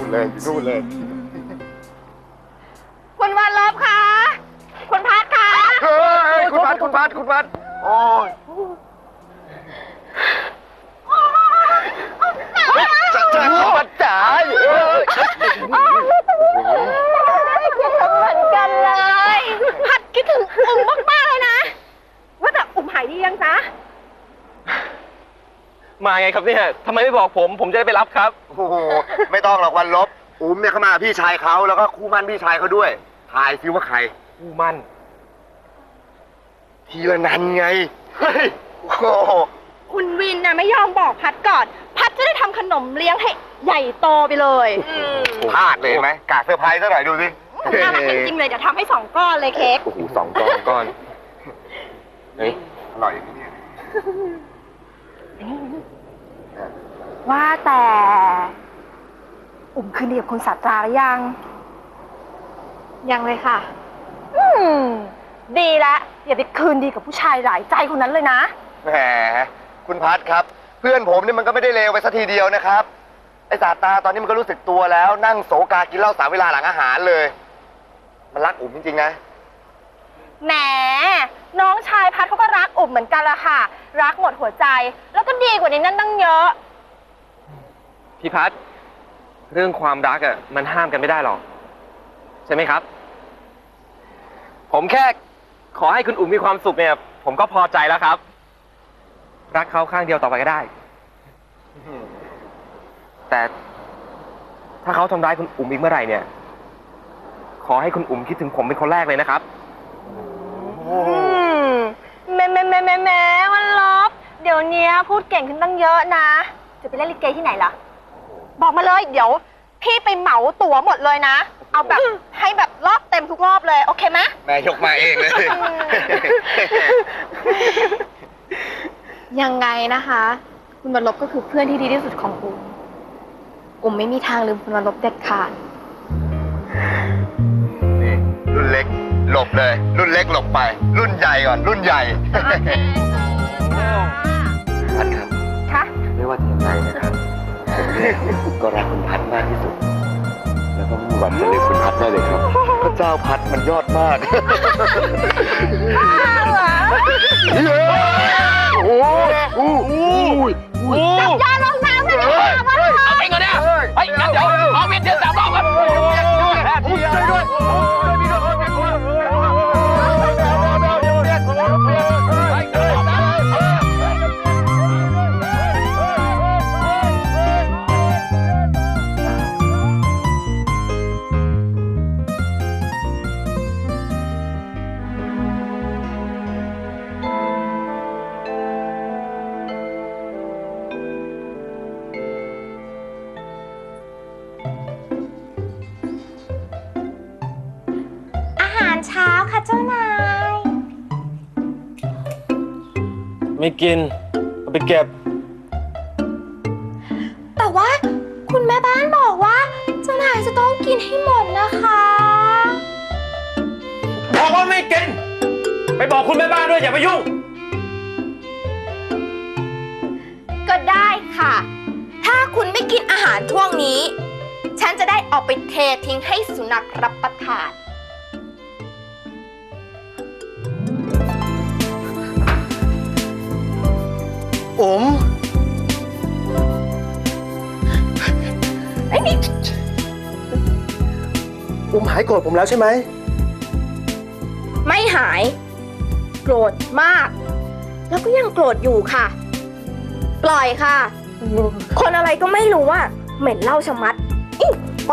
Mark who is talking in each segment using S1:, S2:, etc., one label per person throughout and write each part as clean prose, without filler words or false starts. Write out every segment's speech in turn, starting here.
S1: เลยนู่นเลย
S2: คุณวันลบคะคุณพัดคะ
S1: เฮ้ยคุณพัดโอ้ยจะพัดจ๋า
S2: คิดถึงเหมือนกันเลยพัดคิดถึงอุ่มมากๆเลยนะว่าแต่อุ่มหายดียังจ๊ะ
S3: มาไงครับเนี่ยทำไมไม่บอกผมจะได้ไปรับครับ
S1: โอ้โหไม่ต้องหรอกวันลบอุ้มเนี่ยเขามาพี่ชายเขาแล้วก็คู่มั่นพี่ชายเขาด้วยทายซิว่าใคร
S3: คู่มั่น
S1: ทีละนันไงเฮ้ยโอ้โห
S2: คุณวินน่ะไม่ยอมบอกพัดก่อน พัดจะได้ทำขนมเลี้ยงให้ใหญ่โตไปเลย
S1: พลาดเลยไหมกากเซอร์ไพรส์ซะหน่อยดูสิ
S2: น่ารักจริงๆเลยเดี๋ยวทำให้2 ก้อนเลยเค้ก
S1: โอ้โห2 ก้อนเฮ้ยอร่อยอย่างนี้เนี่ย
S2: ว่าแต่อุ่มคืนดีกับคุณศาสตราหรือยังเลยค่ะดีแล้วอย่าไปคืนดีกับผู้ชายหลายใจคนนั้นเลยนะ
S1: แหมคุณพัดครับ เพื่อนผมนี่มันก็ไม่ได้เลวไปสักทีเดียวนะครับไอ้สาตาตอนนี้มันก็รู้สึกตัวแล้วนั่งโศกากินเหล้า3 เวลาหลังอาหารเลย มันรักอุ่มจริงๆนะ
S2: แหมน้องชายพัดเขาก็รักอุ่มเหมือนกันละค่ะ รักหมดหัวใจ แล้วก็ดีกว่านี้นั่นตั้งเยอะ
S3: พี่พัดเรื่องความรักอ่ะมันห้ามกันไม่ได้หรอกใช่ไหมครับ ผมแค่ขอให้คุณอุ่มมีความสุขเนี่ยผมก็พอใจแล้วครับ รักเขาข้างเดียวต่อไปก็ได้ แต่ถ้าเขาทำร้ายคุณอุ่มอีกเมื่อไหร่เนี่ยขอให้คุณอุ่มคิดถึงผมเป็นคนแรกเลยนะครับ
S2: แหมวันลบเดี๋ยวนี้พูดเก่งขึ้นตั้งเยอะนะ จะไปเล่นลิเกที่ไหนล่ะ บอกมาเลยเดี๋ยวพี่ไปเหมาตั๋วหมดเลยนะ เอาแบบให้แบบรอบเต็มทุกรอบเลยโอเคไหม
S1: แม่ยกมาเองเลย
S4: ยังไงนะคะ คุณวันลบก็คือเพื่อนที่ดีที่สุดของอุ่มไม่มีทางลืมคุณวันลบเด็ดขาด
S1: นี่รุ่นเล็กหลบเลย รุ่นเล็กหลบไป รุ่นใหญ่ก่อนรุ่นใหญ่ พัดครับ
S2: ค่ะ
S1: ไม่ว่าจะยังไงนะครับผมเนี่ยก็รักคุณพัดมากที่สุด แล้วก็ไม่มีวันจะลืมคุณพัดได้เลยครับพระเจ้าพัดมันยอดมากโอ้โห
S2: จับยาลงน้ำเลยดีกว่าวันลบ
S3: เอาไปเงินเนี่ยเฮ้ยงั้นเดี๋ยวเอาเวียนเทียน3 รอบครับ
S1: ช่วยด้วย
S2: อาหารเช้าค่ะเจ้านาย
S3: ไม่กินเอาไปเก็บ
S2: แต่ว่าคุณแม่บ้านบอกว่าเจ้านายจะต้องกินให้หมดนะคะ
S3: บอกว่าไม่กินไปบอกคุณแม่บ้านด้วยอย่าไปยุ่ง
S4: ก็ได้ค่ะ ถ้าคุณไม่กินอาหารช่วงนี้ ฉันจะได้ออกไปเททิ้งให้สุนัขรับประทาน
S1: อุ๋มอุ๋มหายโกรธผมแล้วใช่ไหม
S4: ไม่หาย โกรธมาก แล้วก็ยังโกรธอยู่ค่ะ ปล่อยค่ะ คนอะไรก็ไม่รู้ว่าเหม็นเหล้าชะมัดอิ๊ะไป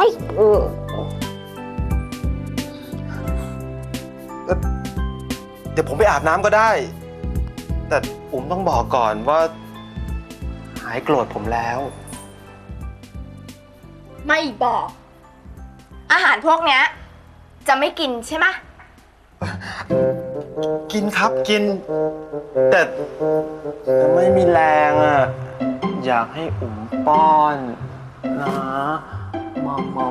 S5: เดี๋ยวผมไปอาบน้ำก็ได้ แต่อุ๋มต้องบอกก่อนว่า หายโกรธผมแล้ว
S4: ไม่บอก อาหารพวกเนี้ยจะไม่กินใช่ไหม
S5: กินครับกิน แต่ไม่มีแรงอ่ะ อยากให้อุ๋มป้อนนะมอม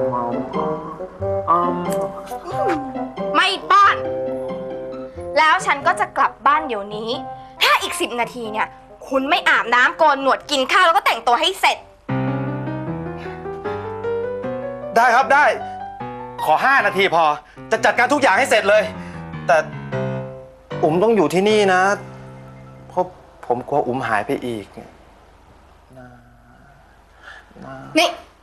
S4: ไม่ป้อน แล้วฉันก็จะกลับบ้านเดี๋ยวนี้ ถ้าอีก10 นาทีเนี่ย คุณไม่อาบน้ำโกนหนวดกินข้าวแล้วก็แต่งตัวให้เสร็จ
S5: ได้ครับได้ ขอ 5 นาทีพอ จะจัดการทุกอย่างให้เสร็จเลย แต่อุ๋มต้องอยู่ที่นี่นะ เพราะผมกลัวอุ๋มหายไปอีกนะ
S4: นี่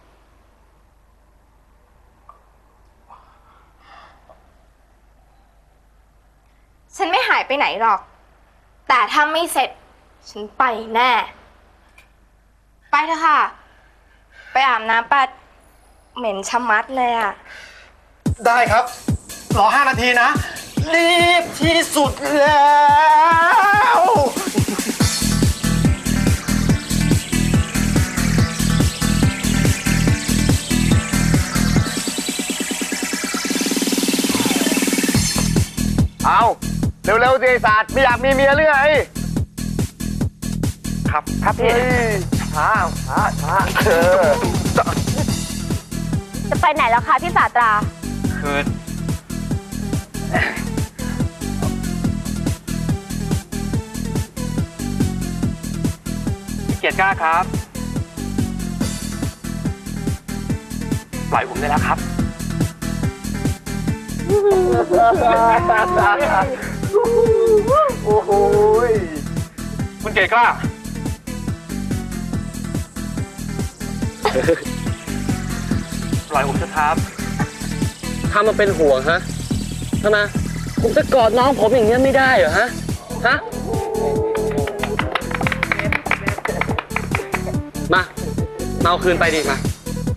S4: ฉันไม่หายไปไหนหรอก แต่ถ้าไม่เสร็จ ฉันไปแน่ ไปเถอะค่ะ ไปอาบน้ำปัดเหม็นชะมัดเลยอะ
S5: ได้ครับ รอ 5 นาทีนะ รีบที่สุดแล้ว
S1: เอาเร็วๆสิไอ้สัตว์ไม่อยากมีเมียหรือไง
S3: ครับพี่
S1: ช้า
S2: จะไปไหนแล้วคะพี่ศาสตรา
S3: คือพี่เกียรติกล้าครับ ปล่อยผมได้แล้วครับ
S1: โอ้โหย
S3: คุณเกียรติกล้า ปล่อยผมเถอะครับถ้ามันเป็นห่วงฮะทำไมผมจะกอดน้องผมอย่างเงี้ยไม่ได้เหรอฮะ ฮะ มาเอาคืนไปดิมา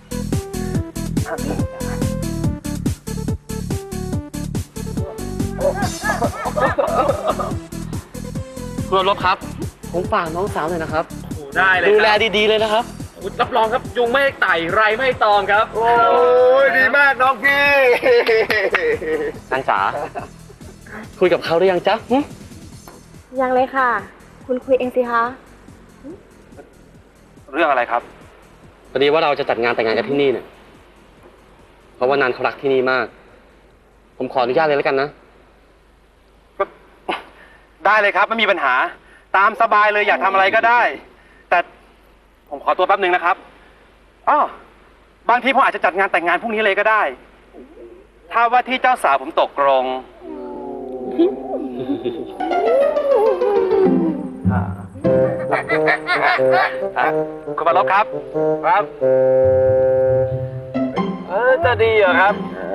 S3: คุณรบครับ ผมฝากน้องสาวหน่อยนะครับ ได้เลยดูแลดีๆเลยนะครับ รับรองครับ ยุงไม่ไต่ไรไม่ตอมครับ
S1: โอ้ยดีมากน้องพี่
S3: นางจ๋า คุยกับเขาหรือยังจ๊ะหึ
S2: ยังเลยค่ะ คุณคุยเองสิคะ
S3: เรื่องอะไรครับพอดีว่าเราจะจัดงานแต่งงานกันที่นี่เนี่ย เพราะว่านันเขารักที่นี่มาก ผมขออนุญาตเลยแล้วกันนะ
S5: ได้เลยครับไม่มีปัญหา ตามสบายเลยอยากทำอะไรก็ได้ แต่ผมขอตัวแป๊บหนึ่งนะครับอ้อบางทีผมอาจจะจัดงานแต่งงานพรุ่งนี้เลยก็ได้ ถ้าว่าที่เจ้าสาวผมตกลง คุณบรรลบครับ ครับ
S3: จะดีเหรอครับ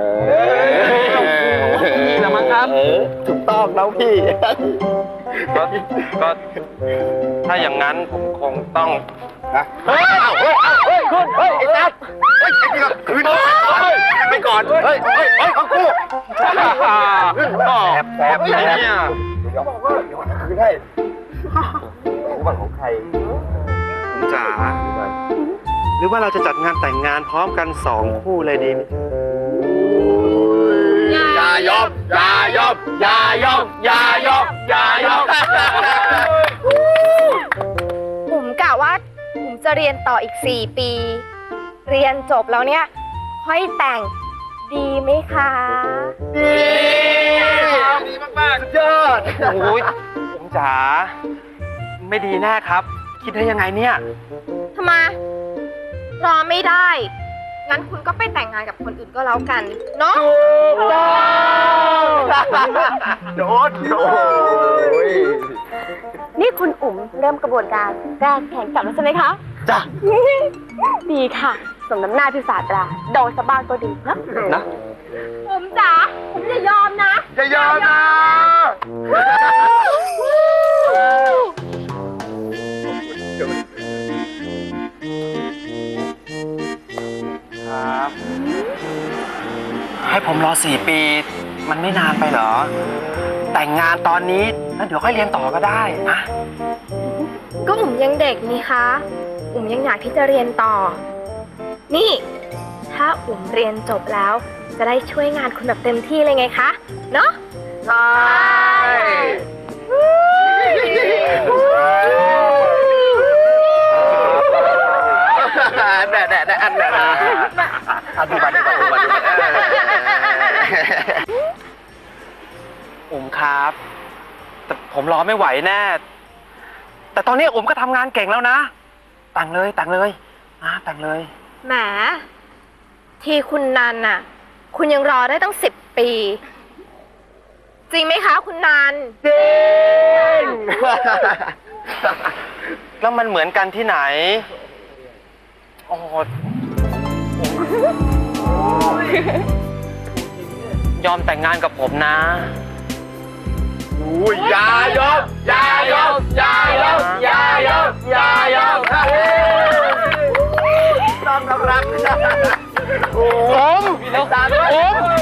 S3: ดีแล้วมั้งครับ
S1: ถูกต้องน้องพี่
S3: ก็ถ้าอย่างนั้นผมคงต้อง
S1: เฮ้ยคุณเฮ้ยไอ้จัดเฮ้ยไอ้นี่ก็คืนไปก่อนเฮ้ยเอากูแอบ
S3: เนี่ย
S1: เดี๋ยวคืนให้รู้บ้างของใคร
S5: ผมจ๋าหรือว่าเราจะจัดงานแต่งงานพร้อมกัน2 คู่เลยดีไหม
S1: อย่ายอมอย่ายอมอย่ายอมอย่ายอมอย่ายอม
S4: ผมกะว่าผมจะเรียนต่ออีก 4 ปี เรียนจบแล้วเนี่ย ค่อยแต่งดีไหมคะ
S1: ดีมากๆสุดยอด
S5: โอ้ยผมจ๋าไม่ดีแน่ครับ คิดได้ยังไงเนี่ย
S4: ทำไม รอไม่ได้ งั้นคุณก็ไปแต่งงานกับคนอื่นก็แล้วกัน เนาะ
S1: โดนโอ้ย
S2: นี่คุณอุ๋มเริ่มกระบวนการแก้แข่งกลับแล้วใช่ไหมคะ
S5: จ้ะ
S2: ดีค่ะ สมน้ำหน้าพี่ศาสตราโดนสะบ้านก็ดีนะ
S3: นะ
S2: ผมจ๋าผมจะยอมนะ
S1: อย่ายอมนะ
S5: ครับให้ผมรอ4 ปี มันไม่นานไปเหรอ แต่งงานตอนนี้แล้วเดี๋ยวค่อยเรียนต่อก็ได้นะ
S4: ก็อุ๋มยังเด็กนี่คะ อุ๋มยังอยากที่จะเรียนต่อ นี่ ถ้าอุ๋มเรียนจบแล้ว จะได้ช่วยงานคุณแบบเต็มที่เลยไงคะ เนาะ
S1: ใช่แด่อันดูมา
S5: อุ๋มครับ แต่ผมรอไม่ไหวแน่ แต่ตอนนี้อุ๋มก็ทำงานเก่งแล้วนะแต่งเลยนะแต่งเลย
S4: แหมที่คุณนันน่ะ คุณยังรอได้ตั้ง10 ปี จริงไหมคะ คุณนัน
S1: จริง
S3: แล้วมันเหมือนกันที่ไหน โอ้ยอมแต่งงานกับผมนะ
S1: อุ้ยอย่ายอมอย่ายอมอย่ายอมอย่ายอมอย่ายอมต้องรักผม